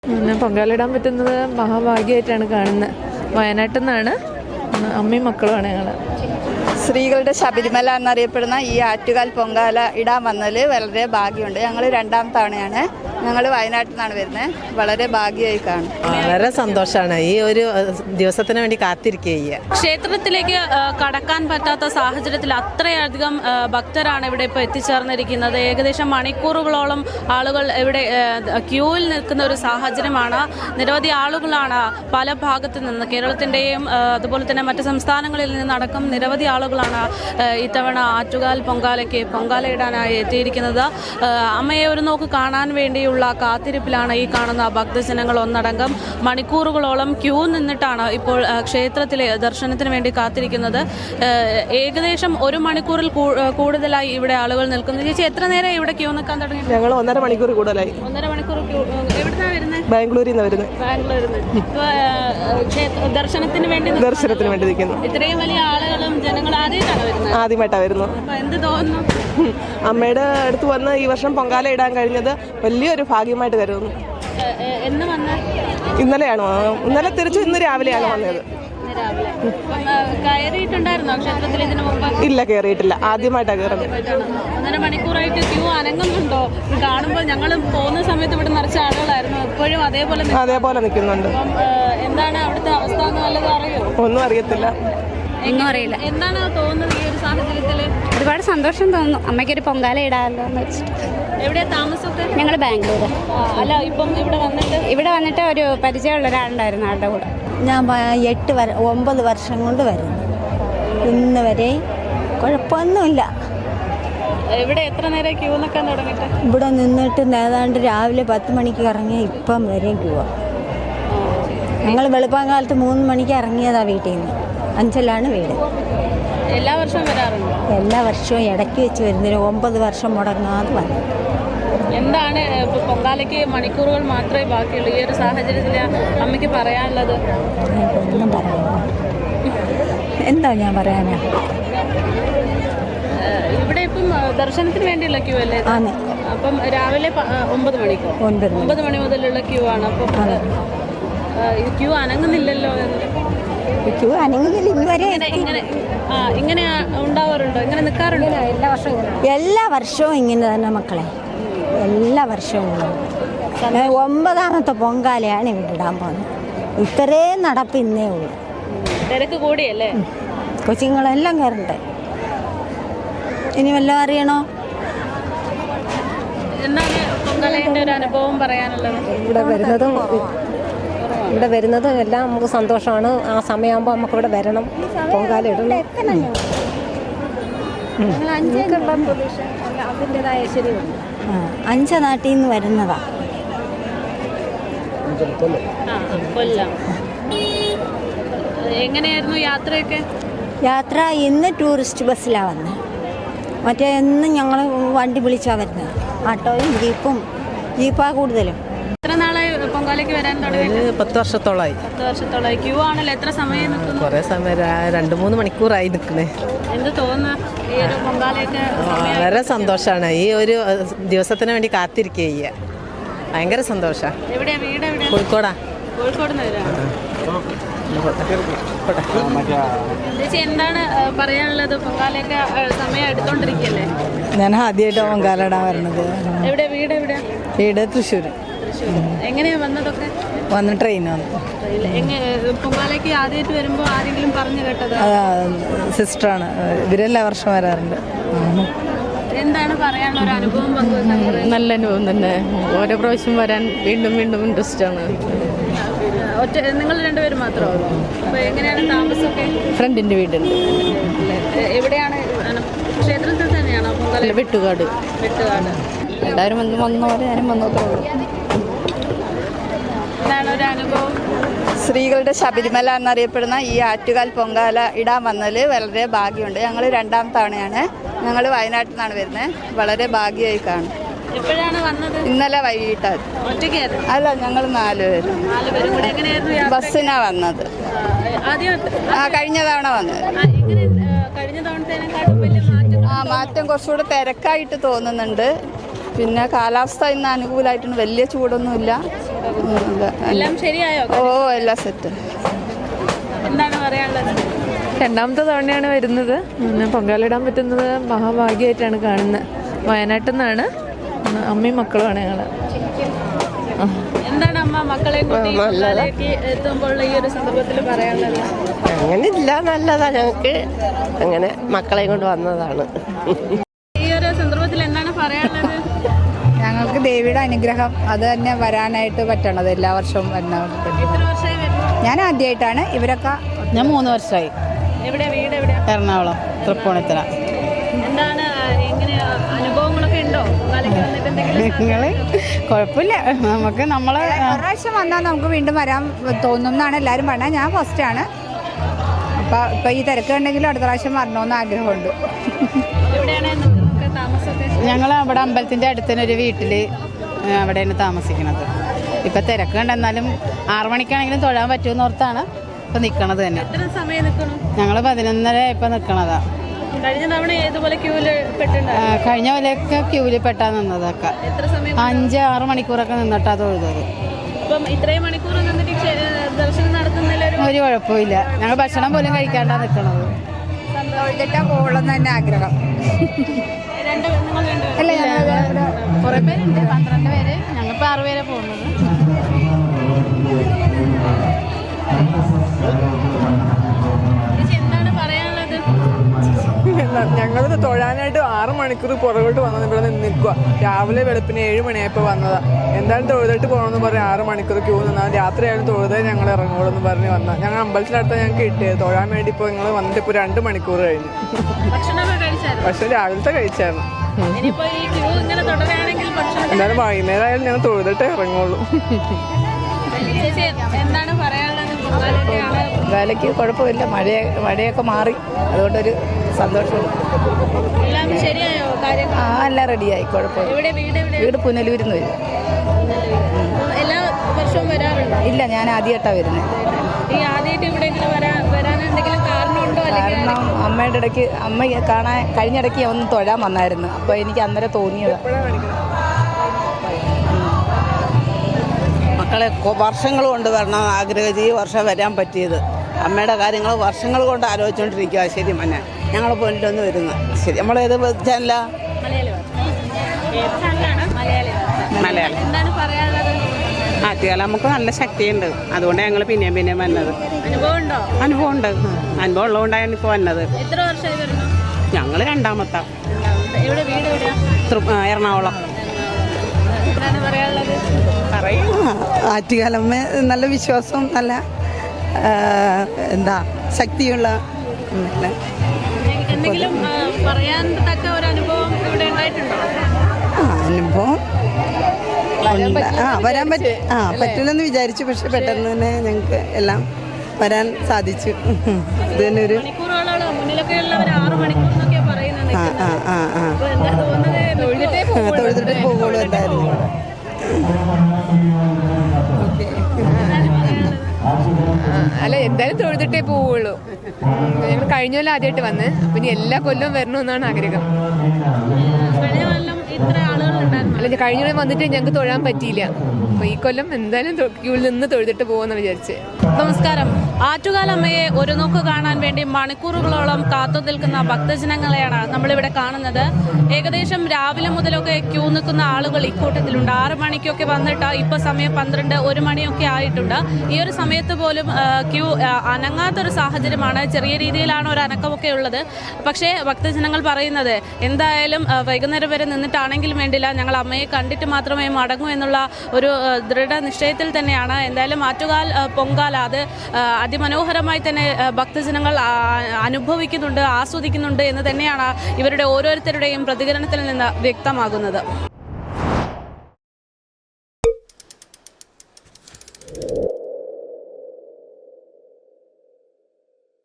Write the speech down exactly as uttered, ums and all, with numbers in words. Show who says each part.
Speaker 1: പിന്നെ പൊങ്കാലിടാൻ പറ്റുന്നത് മഹാഭാഗ്യമായിട്ടാണ് കാണുന്നത്. വയനാട്ടിൽ നിന്നാണ്, അമ്മയും മക്കളുമാണ് ഞങ്ങൾ.
Speaker 2: സ്ത്രീകളുടെ ശബരിമല എന്നറിയപ്പെടുന്ന ഈ ആറ്റുകാൽ പൊങ്കാല ഇടാൻ വന്നതിൽ വളരെ ഭാഗ്യമുണ്ട്. ഞങ്ങൾ രണ്ടാം തവണയാണ്. ഞങ്ങൾ വയനാട്ടിൽ നിന്നാണ് വരുന്നത്. വളരെ ഭാഗ്യമായി കാണും.
Speaker 3: വളരെ സന്തോഷമാണ്. ഈ ഒരു ദിവസത്തിന് വേണ്ടി കാത്തിരിക്കുക.
Speaker 4: ക്ഷേത്രത്തിലേക്ക് കടക്കാൻ പറ്റാത്ത സാഹചര്യത്തിൽ അത്രയധികം ഭക്തരാണ് ഇവിടെ ഇപ്പോൾ എത്തിച്ചേർന്നിരിക്കുന്നത്. ഏകദേശം മണിക്കൂറുകളോളം ആളുകൾ ഇവിടെ ക്യൂവിൽ നിൽക്കുന്ന ഒരു സാഹചര്യമാണ്. നിരവധി ആളുകളാണ് പല ഭാഗത്തു നിന്ന്, കേരളത്തിൻ്റെയും അതുപോലെ തന്നെ മറ്റ് സംസ്ഥാനങ്ങളിൽ നിന്നടക്കം നിരവധി ആളുകളാണ് ഇത്തവണ ആറ്റുകാൽ പൊങ്കാലയ്ക്ക് പൊങ്കാലയിടാനായി എത്തിയിരിക്കുന്നത്. അമ്മയെ ഒരു നോക്ക് കാണാൻ വേണ്ടിയുള്ള കാത്തിരിപ്പിലാണ് ഈ കാണുന്ന ഭക്തജനങ്ങൾ ഒന്നടങ്കം. മണിക്കൂറുകളോളം ക്യൂ നിന്നിട്ടാണ് ഇപ്പോൾ ക്ഷേത്രത്തിലെ ദർശനത്തിന് വേണ്ടി കാത്തിരിക്കുന്നത്. ഏകദേശം ഒരു മണിക്കൂറിൽ കൂടുതലായി ഇവിടെ ആളുകൾ നിൽക്കുന്നു. ചേച്ചി, എത്ര നേരം ഇവിടെ ക്യൂ നിൽക്കാൻ തുടങ്ങി?
Speaker 3: ഞങ്ങൾ ഒന്നര മണിക്കൂർ കൂടുതലായി.
Speaker 4: ഒന്നര മണിക്കൂർ ക്യൂ. എവിടുന്നാണ് വരുന്നത്?
Speaker 3: ബാംഗ്ലൂരിൽ നിന്ന് വരുന്നത്.
Speaker 4: ബാംഗ്ലൂരിൽ നിന്ന് ദർശനത്തിന് വേണ്ടി
Speaker 3: ദർശനത്തിന് വേണ്ടി നിൽക്കുന്നു.
Speaker 4: ഇത്രയും വലിയ ആളുകളും ജനങ്ങൾ ആദ്യമായിട്ടാണ് വരുന്നത്?
Speaker 3: ആദ്യമായിട്ടാണ് വരുന്നത്.
Speaker 4: എന്ത് തോന്നുന്നു?
Speaker 3: അമ്മയുടെ അടുത്ത് വന്ന് ഈ വർഷം പൊങ്കാല ഇടാൻ കഴിഞ്ഞത് വലിയൊരു ഭാഗ്യമായിട്ട് കരുതുന്നു.
Speaker 4: എന്ന് വന്ന
Speaker 3: ഇന്നലെയാണോ? ഇന്നലെ തിരിച്ചു ഇന്ന് രാവിലെയാണ് വന്നത്.
Speaker 4: കയറിയിട്ടുണ്ടായിരുന്നോ ക്ഷേത്രത്തിൽ ഇതിനു മുമ്പ്?
Speaker 3: ഇല്ല, കയറിയിട്ടില്ല. ആദ്യമായിട്ടാണ് കയറുന്നത്.
Speaker 4: ഒന്നര മണിക്കൂറായിട്ട് ക്യൂ അനങ്ങുന്നുണ്ടോ? കാണുമ്പോൾ ഞങ്ങൾ പോകുന്ന സമയത്ത് ഇവിടെ നിറച്ച ആളുകളായിരുന്നു. ഇപ്പോഴും അതേപോലെ
Speaker 3: അതേപോലെ നിൽക്കുന്നുണ്ട്.
Speaker 4: എന്താണ് അവിടുത്തെ അവസ്ഥ എന്ന് വല്ലതും അറിയോ?
Speaker 3: ഒന്നും അറിയത്തില്ല.
Speaker 5: ഒന്നും അറിയില്ല.
Speaker 4: എന്താണ് തോന്നുന്നത് ഈ ഒരു സാഹചര്യത്തിൽ?
Speaker 5: ഒരുപാട് സന്തോഷം തോന്നുന്നു. അമ്മയ്ക്കൊരു പൊങ്കാല ഇടാമല്ലോ എന്ന് വെച്ചിട്ട്.
Speaker 4: എവിടെയാ താമസമൊക്കെ?
Speaker 5: ഞങ്ങൾ ബാംഗ്ലൂർ.
Speaker 4: അല്ല, ഇപ്പം ഇവിടെ വന്നിട്ട്
Speaker 5: ഇവിടെ വന്നിട്ട് ഒരു പരിചയമുള്ള ഒരാളുണ്ടായിരുന്നു ആളുടെ കൂടെ.
Speaker 6: ഞാൻ എട്ട് വര ഒമ്പത് വർഷം കൊണ്ട് വരുന്നു. ഇന്ന് വരെ കുഴപ്പമൊന്നുമില്ല.
Speaker 4: ഇവിടെ എത്ര നേരം ക്യൂ നിൽക്കാൻ തുടങ്ങിയിട്ട്?
Speaker 6: ഇവിടെ നിന്നിട്ട് ഏതാണ്ട് രാവിലെ പത്ത് മണിക്ക് ഇറങ്ങിയ ഇപ്പം വരെയും ക്യൂവാ. ഞങ്ങൾ വെളുപ്പാങ്കാലത്ത് മൂന്ന് മണിക്ക് ഇറങ്ങിയതാ വീട്ടിൽ നിന്ന്. അഞ്ചലാണ് വീട്.
Speaker 4: എല്ലാ വർഷവും വരാറുണ്ട്?
Speaker 6: എല്ലാ വർഷവും ഇടയ്ക്ക് വെച്ച് വരുന്നതിന് ഒമ്പത് വർഷം മുടങ്ങാതെ വന്നു.
Speaker 4: എന്താണ് പൊങ്കാലയ്ക്ക് മണിക്കൂറുകൾ മാത്രമേ ബാക്കിയുള്ളൂ. ഈ ഒരു സാഹചര്യത്തിൽ അമ്മയ്ക്ക് പറയാനുള്ളത്?
Speaker 6: ഒന്നും പറയാനില്ല. എന്താ ഞാൻ പറയാനാ?
Speaker 4: ഇവിടെ ഇപ്പം ദർശനത്തിന് വേണ്ടിയുള്ള ക്യൂ അല്ലേ?
Speaker 6: ആണ്.
Speaker 4: അപ്പം രാവിലെ ഒമ്പത് മണിക്കോ?
Speaker 6: ഒൻപത്
Speaker 4: ഒമ്പത് മണി മുതലുള്ള ക്യൂ ആണ്. അപ്പം ക്യൂ അനങ്ങുന്നില്ലല്ലോ.
Speaker 6: ക്യൂ അനങ്ങുന്നില്ല ഇതുവരെ.
Speaker 4: ഇങ്ങനെ ആ ഇങ്ങനെ ഉണ്ടാവാറുണ്ടോ? ഇങ്ങനെ നിൽക്കാറുണ്ടോ?
Speaker 6: എല്ലാ വർഷവും എല്ലാ വർഷവും ഇങ്ങനെ തന്നെ മക്കളെ. എല്ലാ വർഷവും ഒമ്പതാമത്തെ പൊങ്കാലയാണ് ഇവിടെ ഇടാൻ പോകുന്നത്. ഇത്രയും നടപ്പ് ഇന്നേ ഉള്ളൂ.
Speaker 4: തിരക്ക് കൂടിയല്ലേ?
Speaker 6: കൊച്ചുങ്ങളെല്ലാം കയറണ്ടേ. ഇനി വല്ലതും അറിയണോ?
Speaker 4: എന്താണ് പൊങ്കാലയുടെ ഒരു അനുഭവം പറയാനുള്ളത്?
Speaker 7: ഇവിടെ വരുന്നതും ഇവിടെ വരുന്നതും എല്ലാം നമുക്ക് സന്തോഷമാണ്. ആ സമയമാകുമ്പോൾ നമുക്ക് ഇവിടെ വരണം, പൊങ്കാല ഇടണം. അതിൻ്റെതായ ശരിയുണ്ട്.
Speaker 6: അഞ്ച നാട്ടിൽ നിന്ന് വരുന്നതാ.
Speaker 4: കൊല്ലം. എങ്ങനെയായിരുന്നു യാത്രയൊക്കെ?
Speaker 6: യാത്ര ഇന്ന് ടൂറിസ്റ്റ് ബസ്സിലാണ് വന്നത്. മറ്റേ എന്നും ഞങ്ങൾ വണ്ടി വിളിച്ചാണ് വരുന്നത്. ഓട്ടോയും ജീപ്പും. ജീപ്പാ കൂടുതലും.
Speaker 4: എത്ര നാളായി പൊങ്കാലയ്ക്ക് വരാൻ തുടങ്ങി?
Speaker 3: പത്ത് വർഷത്തോളമായി.
Speaker 4: പത്ത് വർഷത്തോളമായി. ക്യൂ ആണല്ലോ. എത്ര സമയം നിൽക്കുന്നു?
Speaker 3: കുറേ സമയം, രണ്ട് മൂന്ന് മണിക്കൂറായി നിൽക്കണേ.
Speaker 4: എന്ത് തോന്നുന്നു ഈ ഒരു പൊങ്കാലയൊക്കെ?
Speaker 3: വളരെ സന്തോഷമാണ്. ഈ ഒരു ദിവസത്തിന് വേണ്ടി കാത്തിരിക്കുക. ഭയങ്കര സന്തോഷമാണ്.
Speaker 4: എവിടെയാ വീട്? എവിടെയാ?
Speaker 3: കോഴിക്കോടാ.
Speaker 4: കോഴിക്കോട് നിന്ന് വരാം. ചേച്ചി, എന്താണ് പറയാനുള്ളത്? പൊങ്കാലയൊക്കെ സമയം എടുത്തോണ്ടിരിക്കല്ലേ?
Speaker 2: ഞാൻ ആദ്യമായിട്ട് പൊങ്കാല ഇടാൻ വരുന്നത്.
Speaker 4: എവിടെ വീട്? എവിടെ
Speaker 2: വീട്? തൃശ്ശൂർ.
Speaker 4: എങ്ങനെയാ വന്നതൊക്കെ?
Speaker 2: വന്ന് ട്രെയിൻ വന്നു.
Speaker 4: പൊങ്കാലയ്ക്ക് ആദ്യമായിട്ട് വരുമ്പോൾ ആരെങ്കിലും പറഞ്ഞു കേട്ടത്?
Speaker 2: സിസ്റ്ററാണ്. ഇവരെല്ലാ വർഷം വരാറുണ്ട്.
Speaker 4: എന്താണ് പറയാനുള്ള ഒരു അനുഭവം പങ്കുവെക്കാൻ?
Speaker 1: നല്ല അനുഭവം തന്നെ. ഓരോ പ്രാവശ്യം വരാൻ വീണ്ടും വീണ്ടും ഇൻട്രസ്റ്റ് ആണ്.
Speaker 4: ഒറ്റ നിങ്ങൾ രണ്ടുപേരും മാത്രമോ? അപ്പോൾ എങ്ങനെയാണ് താമസമൊക്കെ?
Speaker 1: ഫ്രണ്ടിൻ്റെ വീടുണ്ട്.
Speaker 4: എവിടെയാണ്? ക്ഷേത്രത്തിൽ തന്നെയാണോ പൊങ്കാല?
Speaker 1: വെട്ടുകാട്.
Speaker 4: വെട്ടുകാട്.
Speaker 1: എല്ലാവരും വന്ന് വന്നോടെ ഞാനും വന്നോത്രേ ഉള്ളൂ.
Speaker 4: എന്താണ് ഒരു അനുഭവം?
Speaker 2: സ്ത്രീകളുടെ ശബരിമല എന്നറിയപ്പെടുന്ന ഈ ആറ്റുകാൽ പൊങ്കാല ഇടാൻ വന്നതിൽ വളരെ ഭാഗ്യമുണ്ട്. ഞങ്ങൾ രണ്ടാം തവണയാണ്. ഞങ്ങൾ വയനാട്ടിൽ നിന്നാണ് വരുന്നത്. വളരെ ഭാഗ്യമായി കാണും.
Speaker 4: എപ്പോഴാണ് വന്നത്?
Speaker 2: ഇന്നലെ വൈകിട്ടാണ്.
Speaker 4: ഒറ്റയ്ക്കായിരുന്നു?
Speaker 2: അല്ല, ഞങ്ങൾ നാല് പേരും.
Speaker 4: നാല് പേരും കൂടെ. എങ്ങനെയായിരുന്നു?
Speaker 2: ബസ്സിനാ വന്നത്.
Speaker 4: ആദ്യം
Speaker 2: ആ കഴിഞ്ഞ തവണ വന്നത്.
Speaker 4: കഴിഞ്ഞ തവണത്തേനെക്കാട്ടും വലിയ മാറ്റം?
Speaker 2: ആ മാറ്റം കുറച്ചുകൂടെ തിരക്കായിട്ട് തോന്നുന്നുണ്ട്. പിന്നെ കാലാവസ്ഥ ഇന്ന് അനുകൂലമായിട്ടുണ്ട്. വലിയ ചൂടൊന്നുമില്ല.
Speaker 4: എല്ലാം ശരിയായോ?
Speaker 2: ഓ എല്ലാം സെറ്റ്.
Speaker 4: എന്താണ് പറയാനുള്ളത്?
Speaker 1: രണ്ടാമത്തെ തവണയാണ് വരുന്നത്. പിന്നെ പൊങ്കാലിടാൻ പറ്റുന്നത് മഹാഭാഗ്യമായിട്ടാണ് കാണുന്നത്. വയനാട്ടിൽ നിന്നാണ്. അമ്മയും മക്കളുമാണ് ഞങ്ങൾ.
Speaker 4: എന്താണ് അമ്മ മക്കളെ കൂട്ടി എത്തുമ്പോൾ ഈ ഒരു സന്ദർഭത്തിൽ പറയാനുള്ളത്?
Speaker 3: അങ്ങനെ ഇല്ല, നല്ലതാ. ഞങ്ങൾക്ക് അങ്ങനെ മക്കളെ കൊണ്ട് വന്നതാണ്.
Speaker 4: ഈ ഒരു സന്ദർഭത്തിൽ എന്താണ് പറയാനുള്ളത്?
Speaker 2: ഞങ്ങൾക്ക് ദേവിയുടെ അനുഗ്രഹം അത് തന്നെ വരാനായിട്ട് പറ്റണത് എല്ലാ വർഷവും വരുന്ന.
Speaker 4: എത്ര വർഷമായി വരുന്നു?
Speaker 2: ഞാൻ ആദ്യമായിട്ടാണ്. ഇവരൊക്കെ
Speaker 8: ഞാൻ മൂന്ന് വർഷമായി.
Speaker 4: എവിടെ വീട്? എവിടെയാ?
Speaker 8: എറണാകുളം തൃപ്പൂണിത്തറ.
Speaker 4: എന്താണ് എങ്ങനെ അനുഭവങ്ങളൊക്കെ ഉണ്ടോ?
Speaker 8: നിങ്ങൾ കുഴപ്പമില്ല, നമുക്ക് നമ്മളെ
Speaker 2: പ്രാവശ്യം വന്നാൽ നമുക്ക് വീണ്ടും വരാൻ തോന്നും എന്നാണ് എല്ലാവരും പറഞ്ഞത്. ഞാൻ ഫസ്റ്റാണ്. അപ്പോൾ ഇപ്പോൾ ഈ തിരക്ക് ഉണ്ടെങ്കിലും അടുത്ത പ്രാവശ്യം വരണമെന്ന് ആഗ്രഹമുണ്ട്.
Speaker 8: ഞങ്ങൾ അവിടെ അമ്പലത്തിൻ്റെ അടുത്തുതന്നെ ഒരു വീട്ടിൽ അവിടെയാണ് താമസിക്കുന്നത്. ഇപ്പം തിരക്ക് കണ്ടെന്നാലും ആറു മണിക്കാണെങ്കിലും തൊഴാൻ പറ്റുമെന്ന് ഓർത്താണ് ഇപ്പം നിൽക്കണത് തന്നെ. ഞങ്ങൾ പതിനൊന്നര ഇപ്പം നിൽക്കണതാ.
Speaker 4: കഴിഞ്ഞ തവണ ഏതുപോലെ ക്യൂല് പെട്ടിട്ടുണ്ടായിരുന്നു?
Speaker 8: കഴിഞ്ഞ പോലെയൊക്കെ ക്യൂവിൽ പെട്ടാ നിന്നതൊക്കെ അഞ്ച് ആറ് മണിക്കൂറൊക്കെ നിന്നിട്ടാ തൊഴുതത്.
Speaker 4: അപ്പം ഇത്രയും മണിക്കൂർ നിന്നിട്ട് ദർശനം നടത്തുന്നില്ല?
Speaker 8: ഒരു കുഴപ്പമില്ല. ഞങ്ങൾ ഭക്ഷണം പോലും കഴിക്കാണ്ടാ നിൽക്കണത്.
Speaker 2: തൊഴുതിട്ടാ പോകണമെന്ന് തന്നെ ആഗ്രഹം.
Speaker 4: രണ്ട് നിങ്ങൾ
Speaker 2: അല്ല,
Speaker 8: കുറേ പേരുണ്ട്, പന്ത്രണ്ട് പേര്. ഞങ്ങളിപ്പോൾ ആറ് പേരെ പോകുന്നത്.
Speaker 4: എന്താണ് പറയാനുള്ളത്?
Speaker 9: ഞങ്ങളിത് തൊഴാനായിട്ട് ആറ് മണിക്കൂർ പുറകോട്ട് വന്നത് ഇവിടെ നിന്ന് നിൽക്കുക. രാവിലെ വെളുപ്പിന് ഏഴ് മണിയായപ്പോൾ വന്നതാ. എന്തായാലും തൊഴുതിട്ട് പോകണമെന്ന് പറഞ്ഞ് ആറ് മണിക്കൂർ ക്യൂ നിന്നാൽ രാത്രിയായാലും തൊഴുതേ ഞങ്ങൾ ഇറങ്ങുള്ളൂ എന്ന് പറഞ്ഞ് വന്നാൽ ഞങ്ങൾ അമ്പലത്തിനടുത്ത് ഞങ്ങൾക്ക് കിട്ടിയത്. തൊഴാൻ വേണ്ടി ഇപ്പോൾ ഞങ്ങൾ വന്നിട്ട് ഇപ്പോൾ രണ്ട് മണിക്കൂർ കഴിഞ്ഞു. പക്ഷെ രാവിലത്തെ കഴിച്ചായിരുന്നു. എന്തായാലും വൈകുന്നേരം ആയാലും ഞങ്ങൾ തൊഴുതിട്ടേ ഇറങ്ങുള്ളൂ.
Speaker 4: എന്താണ് പറയാനുള്ളത്?
Speaker 8: വേലയ്ക്ക് കുഴപ്പമില്ല. മഴ മഴയൊക്കെ മാറി, അതുകൊണ്ടൊരു സന്തോഷമുണ്ട്.
Speaker 4: എല്ലാം ശരിയായോ കാര്യങ്ങൾ?
Speaker 8: ആ എല്ലാം റെഡിയായി, കുഴപ്പമില്ല. വീട് പുനലൂരിൽ നിന്ന് വരും.
Speaker 4: എല്ലാ വർഷവും വരാറുണ്ടോ?
Speaker 8: ഇല്ല, ഞാൻ ആദ്യമായിട്ടാണ് വരുന്നത്.
Speaker 4: ഈ ആദ്യമായിട്ട് ഇവിടെ വരാൻ എന്തെങ്കിലും കാരണമുണ്ടോ?
Speaker 8: കാരണം അമ്മയുടെ ഇടയ്ക്ക് അമ്മ കാണാൻ കഴിഞ്ഞിടയ്ക്ക് ഒന്ന് തൊഴാൻ വന്നായിരുന്നു. അപ്പോൾ എനിക്ക് അന്നേരം തോന്നിയത്
Speaker 10: മക്കളെ വർഷങ്ങൾ കൊണ്ട് വരണം ആഗ്രഹിച്ച് ഈ വർഷം വരാൻ പറ്റിയത്. അമ്മയുടെ കാര്യങ്ങൾ വർഷങ്ങൾ കൊണ്ട് ആലോചിച്ചുകൊണ്ടിരിക്കുക. ശരി മന്നെ, ഞങ്ങൾ പോയിട്ടൊന്ന് വരുന്നു. ശരി, നമ്മളേത് ചാനലാ? മലയാളം. ആറ്റുകാലം നമുക്ക് നല്ല ശക്തിയുണ്ട്, അതുകൊണ്ട് ഞങ്ങൾ പിന്നെയും പിന്നെയും വന്നത്. അനുഭവം ഉണ്ട്. അനുഭവം ഉള്ളതുകൊണ്ടാണ് ഇപ്പോൾ വന്നത്. ഞങ്ങൾ രണ്ടാമത്തെ. എറണാകുളം.
Speaker 2: പറയും. ആറ്റുകാലമ്മ നല്ല വിശ്വാസവും നല്ല എന്താ ശക്തിയുള്ള
Speaker 4: എന്തെങ്കിലും പറയാൻ തക്ക ഒരു അനുഭവം ഇവിടെ ഉണ്ടായിട്ടുണ്ടോ?
Speaker 2: അനുഭവം ആ വരാൻ പറ്റും. ആ പറ്റില്ലെന്ന് വിചാരിച്ചു, പക്ഷെ പെട്ടെന്ന് തന്നെ ഞങ്ങൾക്ക് എല്ലാം വരാൻ സാധിച്ചു. ഇത് തന്നെ ഒരു ആ ആ ആ ആ തൊഴുതിട്ടേ പോകുള്ളൂ എന്തായാലും.
Speaker 1: അല്ല, എന്തായാലും തൊഴുതിട്ടേ പോവുള്ളൂ. ഞങ്ങൾ കഴിഞ്ഞ കൊല്ലം ആദ്യമായിട്ട് വന്ന്, അപ്പം ഇനി എല്ലാ കൊല്ലവും വരണമെന്നാണ് ആഗ്രഹം. അല്ല, കഴിഞ്ഞ കൊല്ലം വന്നിട്ട് ഞങ്ങൾക്ക് തൊഴാൻ പറ്റിയില്ല. അപ്പോൾ ഈ കൊല്ലം എന്തായാലും ക്യൂവിൽ നിന്ന് തൊഴുതിട്ട് പോകുമെന്ന് വിചാരിച്ച്.
Speaker 4: നമസ്കാരം. ആറ്റുകാലമ്മയെ ഒരു നോക്ക് കാണാൻ വേണ്ടി മണിക്കൂറുകളോളം കാത്തു നിൽക്കുന്ന ഭക്തജനങ്ങളെയാണ് നമ്മളിവിടെ കാണുന്നത്. ഏകദേശം രാവിലെ മുതലൊക്കെ ക്യൂ നിൽക്കുന്ന ആളുകൾ ഇക്കൂട്ടത്തിലുണ്ട്. ആറ് മണിക്കൊക്കെ വന്നിട്ട് ഇപ്പോൾ സമയം പന്ത്രണ്ട് ഒരു മണിയൊക്കെ ആയിട്ടുണ്ട്. ഈ ഒരു സമയത്ത് പോലും ക്യൂ അനങ്ങാത്തൊരു സാഹചര്യമാണ്. ചെറിയ രീതിയിലാണ് ഒരു അനക്കമൊക്കെ ഉള്ളത്. പക്ഷേ ഭക്തജനങ്ങൾ പറയുന്നത് എന്തായാലും വൈകുന്നേരം വരെ നിന്നിട്ടാണെങ്കിലും വേണ്ടില്ല, ഞങ്ങൾ അമ്മയെ കണ്ടിട്ട് മാത്രമേ മടങ്ങൂ എന്നുള്ള ഒരു ദൃഢനിശ്ചയത്തിൽ തന്നെയാണ്. എന്തായാലും ആറ്റുകാൽ പൊങ്കാല അത് അതിമനോഹരമായി തന്നെ ഭക്തജനങ്ങൾ അനുഭവിക്കുന്നുണ്ട്, ആസ്വദിക്കുന്നുണ്ട് എന്ന് തന്നെയാണ് ഇവരുടെ ഓരോരുത്തരുടെയും പ്രതികരണത്തിൽ നിന്ന് വ്യക്തമാകുന്നത്.